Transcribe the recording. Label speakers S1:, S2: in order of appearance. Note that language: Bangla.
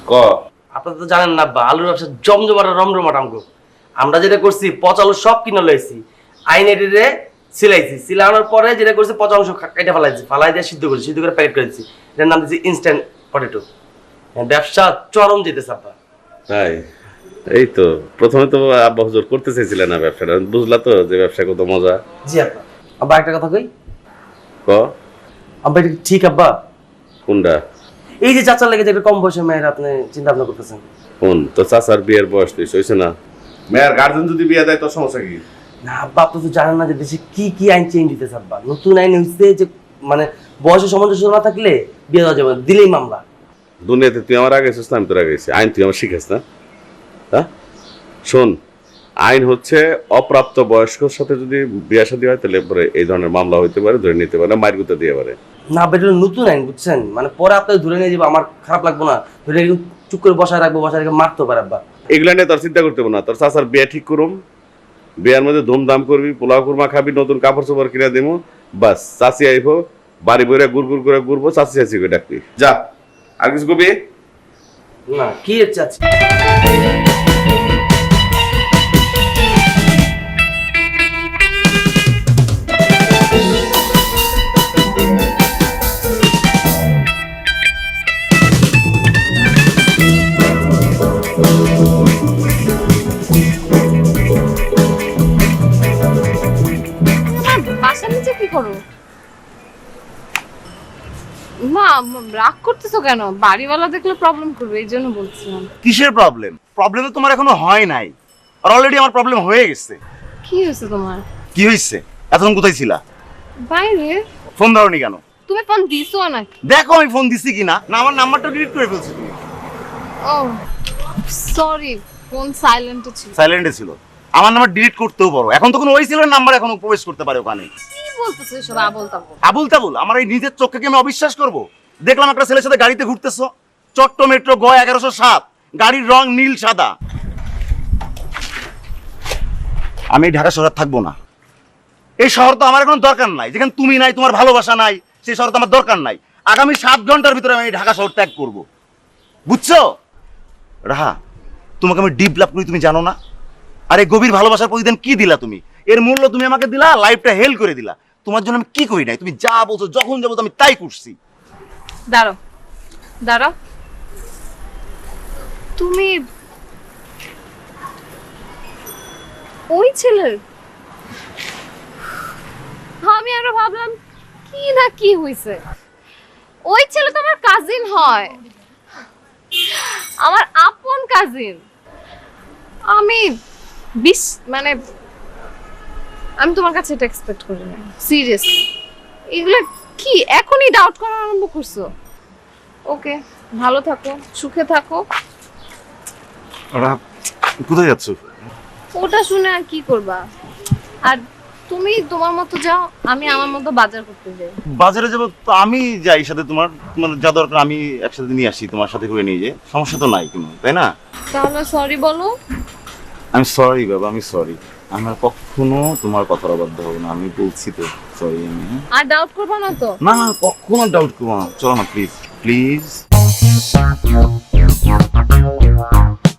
S1: ক।
S2: আপনারা তো জানেন না আব্বা, আলুর ব্যবসা জমজমাটা রমরমাটা আমগো। আমরা যেটা করছি পচা আলু সব কিনে লইছি, আইনেরে সিলাইছি, সিলানোর পরে যেটা করছি পচা অংশ কেটে ফেলাইছি, ফালাই দিয়ে সিদ্ধ করেছি, সিদ্ধ করে প্যাকেট করে দিচ্ছি। এটার নাম দিচ্ছি ইনস্ট্যান্ট পটেটো। ব্যবসা চরম যেতেছে আব্বা।
S1: তাই এই তো প্রথমে তো আব্বা হুজুর করতে চাইছিলেন না ব্যবসাটা, বুঝলা তো যে ব্যবসা কত মজা।
S2: জি আব্বা। আব্বা একটা কথা কই।
S1: ক।
S2: আব্বা এটা ঠিক আব্বা?
S1: কোনটা?
S2: এই যে চাচার লেগে যে একটা কম বয়সের মেয়ের আপনি চিন্তা ভাবনা করতেছেন।
S1: কোন তো চাচার বিয়ের বয়স তুই হয়েছে না? মেয়ের গার্জেন যদি বিয়ে দেয় তোর সমস্যা কি?
S2: না আব্বা, আপনি তো জানেন না যে দেশে কি কি আইন চেঞ্জ হইতেছে আব্বা। নতুন আইন হইছে যে মানে বয়সের সামঞ্জস্য না থাকলে বিয়ে দেওয়া যাবে না, দিলেই মামলা।
S1: দুনিয়াতে তুই আমার আগে এসেছিস না আমি তোর আগে এসেছি, আইন তুই আমার শিখাস না? হ্যাঁ শোন, আইন হচ্ছে অপ্রাপ্ত বয়স্কর সাথে যদি বিয়ে শাদী হয় তাহলে পরে এই ধরনের মামলা হইতে পারে, ধরে নিতে পারে, মাইর গুঁতো দিয়ে পারে।
S2: না বেটা, নতুন আইন বুঝছেন, মানে পরে আপনাকে ধরে নিয়ে যাবো, আমার খারাপ লাগবো না, ধরে চুপ করে বসায় রাখবো, বসায় রেখে মারতে পারে আব্বা।
S1: এগুলা নিয়ে তোর চিন্তা করতে হবে না, তোর চাচার বিয়ে ঠিক করুম, বিয়ের মধ্যে ধুমধাম করবি, পোলাও কুরমা খাবি, নতুন কাপড় চোপড় কিনে দেবো, বাস চাচি আইবো, বাড়ি বইরে গুড় করে ঘুরবো, চাচি চাচি করে ডাকবি, যা। আর কিছু কবি
S2: না কি চাচ্ছি।
S3: বাসার নিচে কি করো? মা রাগ করতেছো কেন? বাড়িওয়ালা দেখলে প্রবলেম করবে, এই জন্য বলছিলাম।
S4: কিসের প্রবলেম? প্রবলেম তো তোমার এখনো হয় নাই, আর অলরেডি আমার প্রবলেম হয়ে গেছে।
S3: কি হয়েছে তোমার?
S4: কি হয়েছে? এতক্ষণ কোথায় ছিলা?
S3: বাইরে।
S4: ফোন ধরনি কেন?
S3: তুমি ফোন দিছো নাকি?
S4: দেখো আমি ফোন দিছি কিনা। না আমার নাম্বারটা ডিলিট করে ফেলছি তুমি।
S3: ও সরি, ফোন সাইলেন্টে ছিল।
S4: সাইলেন্টে ছিল? আমার নাম্বার ডিলিট করতেও পারো, এখন তো কোনো ওই ছিল নাম্বার এখনো প্রবেশ করতে পারে ওখানে।
S3: কি বলতেছো এসব আবোল তাবোল?
S4: আবুল তাবুল? আমার এই নিজের চোখকে কি আমি অবিশ্বাস করবো? দেখলাম একটা ছেলের সাথে গাড়িতে ঘুরতেছো, চট্ট মেট্রো গ 1107, গাড়ির রং নীল সাদা। আমি ঢাকা শহরে থাকবো না। এই শহর তো আমার এখন দরকার নাই, যেখানে তুমি নাই, তোমার ভালোবাসা নাই, সেই শহর তো আমার দরকার নাই। আগামী 7 ঘন্টার ভিতরে আমি ঢাকা শহর ত্যাগ করবো, বুঝছো? রাহা, তোমাকে আমি ডিপ লাভ করি তুমি জানো না? আর এই গভীর ভালোবাসার প্রতিদিন কি দিলা তুমি? এর মূল্য তুমি আমাকে দিলা, লাইফটা হেল করে দিলা। তোমার জন্য আমি কি করি নাই? তুমি যা বলছো, যখন যাবো আমি তাই করছি।
S3: দাঁড়াও দাঁড়াও, তুমি ওই ছেলের? আমি আরো ভাবলাম কি না কি হইছে। ওই ছেলে তো আমার কাজিন হয়, আমার আপন কাজিন। আমি মানে আমি তোমার কাছে এটা এক্সপেক্ট করি না, সিরিয়াসলি। এগুলো কি এখনই ডাউট করা আরম্ভ করছো? ওকে, ভালো থাকো, সুখে থাকো।
S4: কোথায় যাচ্ছ?
S3: ওটা শুনে আর কি করবা? আর তুমি তোমার মতো যাও, আমি আমার মতো বাজার করতে যাই।
S4: বাজারে যাবো তো আমি যাই সাথে, তোমার তোমার যা দরকার আমি একসাথে নিয়ে আসি, তোমার সাথে করে নিয়ে যাই, সমস্যা তো নাই কোনো, তাই না?
S3: তাহলে সরি বলো।
S4: আমি সরি বাবা, আমি সরি। আমার কখনো তোমার কথার অবাধ্য হবো না, আমি বলছি তো সরি। আমি
S3: আর ডাউট করবা না তো?
S4: না না, কখনো ডাউট করবো না। চলো না প্লিজ প্লিজ।